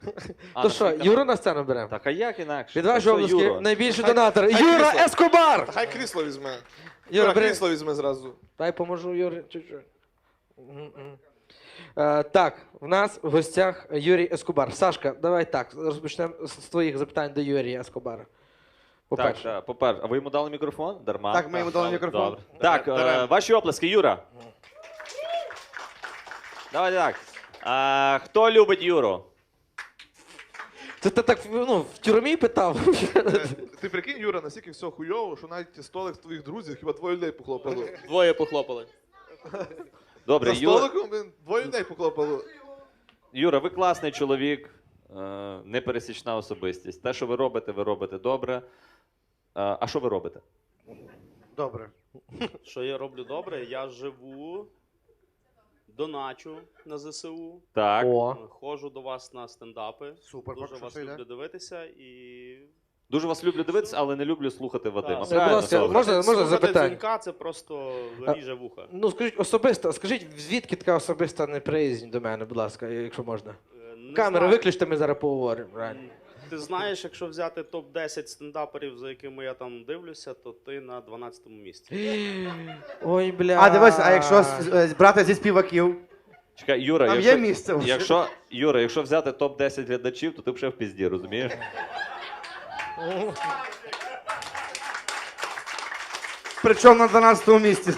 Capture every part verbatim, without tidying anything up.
А, То на що, свій канал. Юру на сцену беремо? Так, а як інакше? Від ваші Це обласки Юра. найбільший Хай- донатор. хай Юра крісло. Ескобар! Та хай крісло візьме. Юра, Юра, бери. крісло візьме зразу. Дай поможу Юрі чуть-чуть. Мгм. Е, Так, в нас в гостях Юрій Ескобар. Сашка, давай так, розпочнемо з з твоїх запитань до Юрія Ескобара. Так, По-перше. так, по-перше. А ви йому дали мікрофон? Дарма. Так, ми йому дали мікрофон. Добре. Так, е, Дарем. ваші оплески, Юра. Давай так. А, хто любить Юру? Це ти так ну, в тюрмі питав? Е, Ти прикинь, Юра, настільки все хуйово, що навіть столик з твоїх друзів хіба двоє людей похлопало. Двоє похлопали. Добре, За Юра, столиком блін, двоє людей похлопало. Юра, ви класний чоловік, е, непересічна особистість. Те, що ви робите, ви робите добре. Е, А що ви робите? Добре. Що я роблю добре? Я живу, доначу на ЗСУ, Так. О. ходжу до вас на стендапи. Супер, Дуже поки що вас все йде. люблю дивитися і. Дуже вас люблю дивитися, але не люблю слухати Вадима. Так. Правильно, Будь ласка, Соломон? можна- можна Слухати запитання? дзвінка це просто ріже вуха. Ну, скажіть особисто, скажіть, звідки така особиста неприязнь до мене, будь ласка, якщо можна. Е, не Камеру знаю. виключте, ми зараз поговоримо. реально. Ти знаєш, якщо взяти топ десять стендаперів, за якими я там дивлюся, то ти на дванадцятому місці. Ой, бля. А дивись, а якщо з- з- брати зі співаків, Чекай, Юра, там якщо, є місце вже. якщо, Юра, якщо взяти топ десять глядачів, то ти б ще в пізді, розумієш? Причому на дванадцятому місці.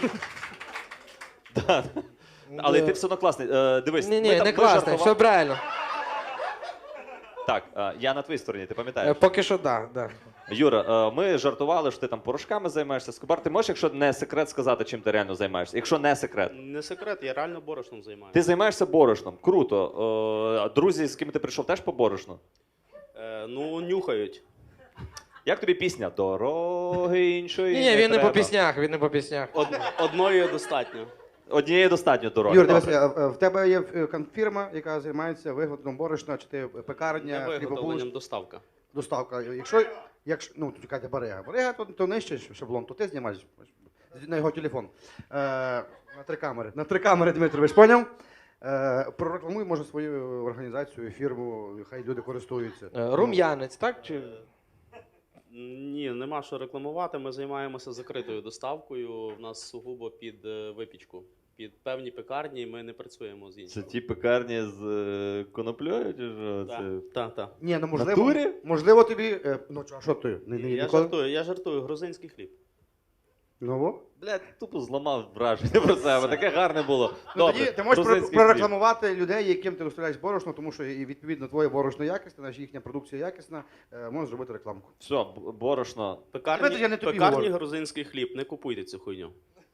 Але ти все одно класний. Е, дивись, Ні, ми ні, там- не ми класно, жартували- все правильно. Так, е, я на твоїй стороні, ти Е, пам'ятаєш? Поки що так, да, да. Юра, е, ми жартували, що ти там порошками займаєшся. Скобар, ти можеш, якщо не секрет, сказати, чим ти реально займаєшся? Якщо не секрет. Не секрет, я реально борошном займаюся. Ти займаєшся борошном. Круто. Е, друзі, з ким ти прийшов, теж по борошну? Е, ну, нюхають. Як тобі пісня? Дороги іншої. Ні, ні, він не треба. по піснях, він не по піснях. Од, одної достатньо. Однієї достатньо дороги. Юр, дивись, Добре. е, е, в тебе є е, кон- фірма, яка займається виготовленням борошна, чи ти Не пекарня, виготовленням хлібобулочна, доставка. доставка. Якщо, якщо, ну, чекайте, Барига. Барига, то, то нижче шаблон, то ти знімаєш на його телефон. Е, на три камери. На три камери, Дмитрович, поняв? Е, прорекламуй, може, свою організацію, фірму, хай люди користуються. Е, Рум'янець, так? Чи... Ні, нема що рекламувати. Ми займаємося закритою доставкою. В нас сугубо під е, випічку. Під певні пекарні ми не працюємо з Це іншими. ті пекарні з е, коноплею, чи що? Це... Так, так. Ні, ну можливо, Натурі? можливо тобі. е, ну, а що ти? Не, не, Я ніколи? жартую, я жартую, грузинський хліб. Ну, во. Блядь, тупо зламав враження про себе. Таке гарне було. Ну, Добре, тоді ти можеш про- грузинський прорекламувати людей, яким ти доставляєш борошно, тому що і відповідно твоє борошно якісне, наша їхня продукція якісна, е, можеш зробити рекламку. Все, б- борошно. Пекарні, Знаєте, я не тобі пекарні говорю. грузинський хліб, не купуйте цю хуйню.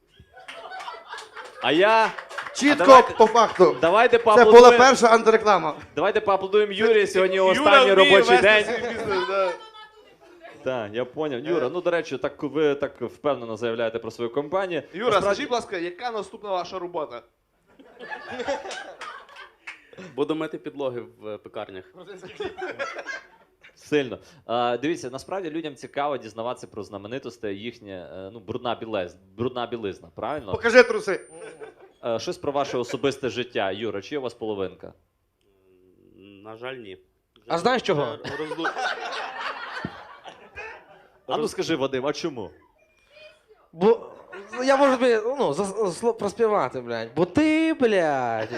А я... Чітко давайте- по факту. Давайте Це була поаплодуємо, перша антиреклама. давайте поаплодуємо Юрі, сьогодні Юра останній вміє робочий вести день. свій бізнес, да. Так, я поняв. Юра, ну до речі, так ви так впевнено заявляєте про свою компанію. Юра, Насправді- скажіть, будь ласка, яка наступна ваша робота? Буду мити підлоги в е, пекарнях. Сильно. А, дивіться, насправді людям цікаво дізнаватися про знаменитостей, їхнє е, ну, брудна білизна, брудна білизна, правильно? Покажи труси. Е, щось про ваше особисте життя. Юра, чи є у вас половинка? На жаль, ні. А знаєш чого? Вже розду- А ну скажи, Вадим, а чому? Бо ну, я можу тобі ну, зас- сло- проспівати, блядь. Бо ти, блядь.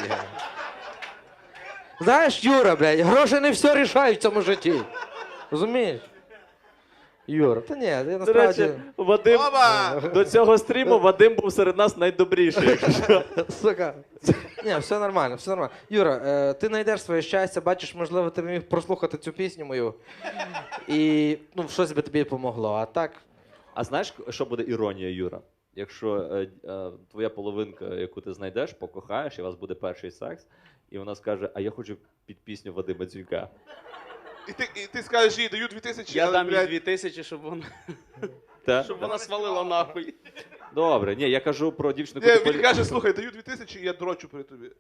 Знаєш, Юра, блядь, гроші не все рішають в цьому житті. Розумієш? Юра, та ні, я До насправді. речі, Вадим, Оба! до цього стріму Вадим був серед нас найдобріший. якщо що. Сука. Ні, все нормально, все нормально. Юра, е, ти знайдеш своє щастя, бачиш, можливо, ти міг прослухати цю пісню мою. І ну, щось би тобі допомогло. А так. А знаєш, що буде іронія, Юра? Якщо е, е, твоя половинка, яку ти знайдеш, покохаєш, і у вас буде перший секс, і вона скаже, а я хочу під пісню Вадима Дзюнька. І ти, і ти скажеш, їй даю дві тисячі, Я але, дам їй блядь, дві тисячі, щоб вона, Та? щоб вона свалила нахуй. Добре, ні, я кажу про дівчину, Ні, яку ти він полю- каже, слухай, даю дві тисячі, і я дрочу при тобі.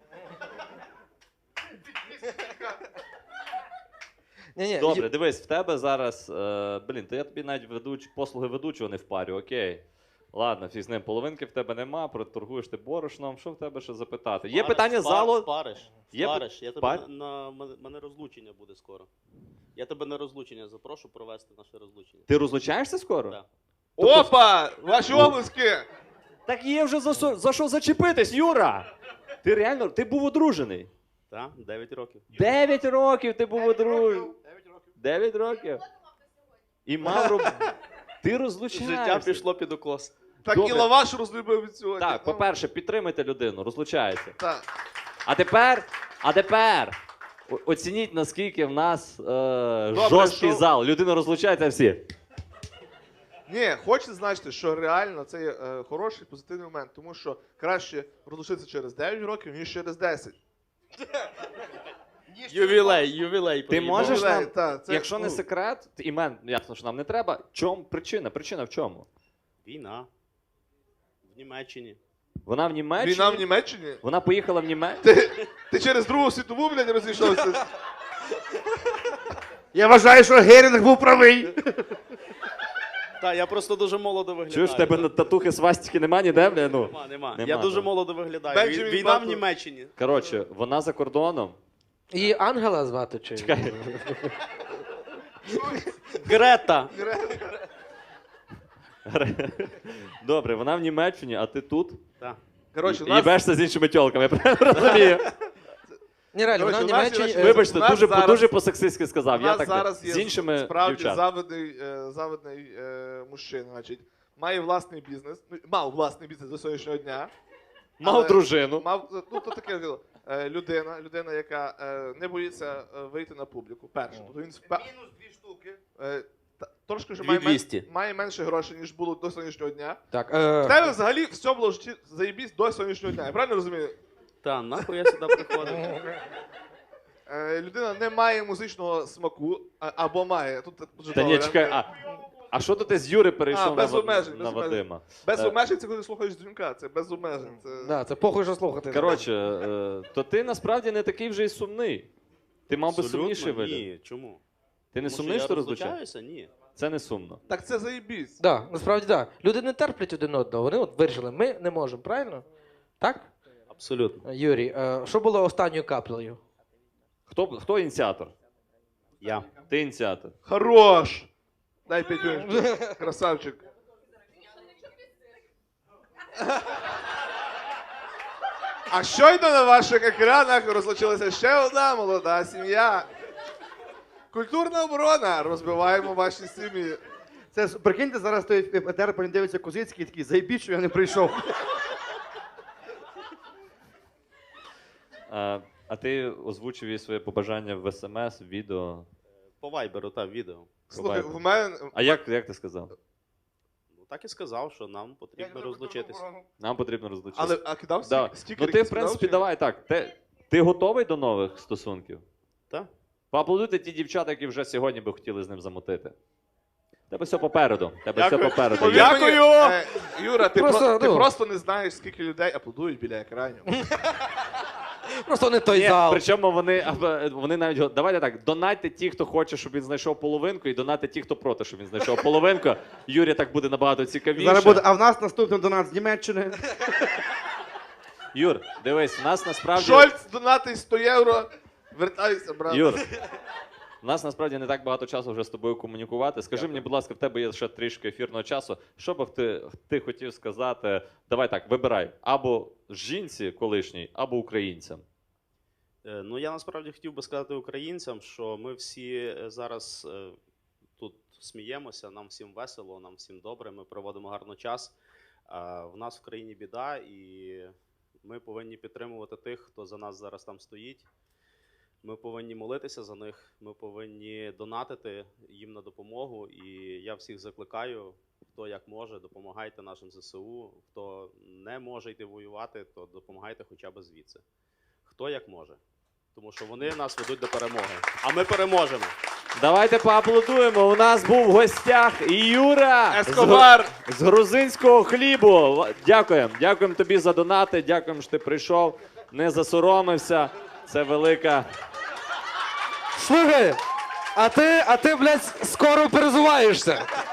Ні, ні, Добре, дивись, в тебе зараз. Е, блін, то я тобі навіть ведуч, послуги ведучого не впарю, окей. Ладно, фіг з ним, половинки в тебе нема, проторгуєш ти борошном. Що в тебе ще запитати? Є Спариш, питання з спар- залу? Спариш, Є спариш. Я тебе пар- на, на мене- мене розлучення буде скоро. Я тебе на розлучення запрошу провести наше розлучення. Ти розлучаєшся скоро? Так. Опа! Ваші облиски! Так є вже за, що- за що зачепитись, Юра! Ти реально, ти був одружений. Так, дев'ять років. Дев'ять років ти був одружений. Дев'ять років. І мав роб... Ти розлучаєшся. Життя пішло під укос. Так Добре. і лаваш розлюбив від сьогодні. Так, по-перше, підтримайте людину, розлучається. Так. А тепер, а тепер о- оцініть, наскільки в нас е, жорсткий що- зал. Людина розлучається всі. Ні, хочу зазначити, що реально це є е, хороший позитивний момент, тому що краще розлучитися через дев'ять років, ніж через десять. Ювілей, ювілей. Ти приїхав. можеш Ювілей, нам, та, це, якщо не ну, секрет, імен, ясно, що нам не треба. Чому причина? Причина в чому? Війна. В Німеччині. Вона в Німеччині. Війна в Німеччині? Вона поїхала в Німеччину. Ти, ти через Другу світову, блядь, розійшовся? Я вважаю, що Герінг був правий. Так, я просто дуже молодо виглядаю. Чуєш, в тебе на татухи свастики нема ніде, бля? Ну. Нема, нема. Нема, Я дуже так. молодо виглядаю. Бенджамін Вій- Війна в Баттон. Німеччині. Коротше, вона за кордоном. Її Ангела звати чи? Чекай. Грета. Добре, вона в Німеччині, а ти тут. Так. Коротше, у І нас, їбешся з іншими тьолками, я правильно розумію? Ні, реально, вона в Коротше, у нас є Німеччині. ще- е, Вибачте, у нас дуже, зараз- дуже по-сексистськи у сказав. Я нас так зараз є з іншими справді дівчат. завидний, е, завидний е, мужчина, значить, має власний бізнес, ну, мав власний бізнес до сьогоднішнього дня. Мав але- дружину. Мав, ну, то таке діло. Е, людина, людина, яка е, не боїться е, вийти на публіку. Перше. Тобто він впе- Мінус дві штуки. е, та- трошки вже Дві має, мен- двісті. має менше грошей, ніж було до сьогоднішнього дня. Так, В е, тебе взагалі все було в житті заєбісь до сьогоднішнього дня. Я правильно розумію? Та, нахуй я сюди приходив. Е, людина не має музичного смаку, а, або має. Тут дуже Та ні, добре. чекай, а, а що то ти з Юри перейшов А, на, без Ва- обмежень, на без обмежень. Вадима? Без Е, обмежень це коли ти слухаєш дзвінка, це без обмежень. Це... да, це похуй, що слухати. Коротше, е, то ти насправді не такий вже й сумний. Ти мав би Абсолютно сумніший вигляд. Ні, чому? Ти не Тому сумний, що що я розлучаєшся? розлучаюся? Ні. Це не сумно. Так це заєбісь. Да, насправді так. Да. Люди не терплять один одного. Вони от вирішили, ми не можемо, правильно? Так? Абсолютно. Юрій, е, що було останньою каплею? Хто, хто ініціатор? Я. Ти ініціатор. Хорош! Дай п'ятюню. Красавчик. А щойно на ваших екранах розлучилася ще одна молода сім'я. Культурна оборона. Розбиваємо ваші сім'ї. Це с- прикиньте, зараз той етер по дивиться Козицький такий, заєбіть, що я не прийшов. А, а ти озвучив їй своє побажання в смс, в відео. По вайберу, та відео. Слухай, Буває. в мене. А як, як ти сказав? Ну так і сказав, що нам потрібно розлучитися. Нам потрібно розлучитися. Але а кидав Да. стік- стікери? Ну ти, в якісь принципі, кидав, чи? давай так. Ти, ти готовий до нових стосунків? Так. Поаплодуйте ті дівчата, які вже сьогодні би хотіли з ним замотити. Тебе все попереду. Тебе Дякую. все попереду. Повір Є. мені, е, Юра, ти Просто, просто, ти ну. просто не знаєш, скільки людей аплодують біля екранів. Просто не той Ні, зал. причому вони, або- вони навіть го- давайте так, донатьте ті, хто хоче, щоб він знайшов половинку, і донатьте ті, хто проти, щоб він знайшов половинку. Юрі так буде набагато цікавіше. Зараз буде, а в нас наступний донат з Німеччини. Юр, дивись, у нас насправді. Шольц, донатить сто євро. Вертайся, брат. Юр, у нас насправді не так багато часу вже з тобою комунікувати. Скажи мені, будь ласка, в тебе є ще трішки ефірного часу. Що б ти, ти хотів сказати? Давай так, вибирай або жінці колишній, або українцям. Е, Ну, я насправді хотів би сказати українцям, що ми всі е, зараз е, тут сміємося, нам всім весело, нам всім добре, ми проводимо гарно час. А в нас в країні біда, і ми повинні підтримувати тих, хто за нас зараз там стоїть. Ми повинні молитися за них, ми повинні донатити їм на допомогу. І я всіх закликаю, хто як може, допомагайте нашим ЗСУ. Хто не може йти воювати, то допомагайте хоча б звідси. Хто як може. Тому що вони нас ведуть до перемоги. А ми переможемо. Давайте поаплодуємо. У нас був в гостях Юра Ескобар! з, з грузинського хлібу. Дякуємо. Дякуємо тобі за донати. Дякуємо, що ти прийшов, не засоромився. Це велика. Слухай, а ти, а ти, блядь, скоро перезуваєшся.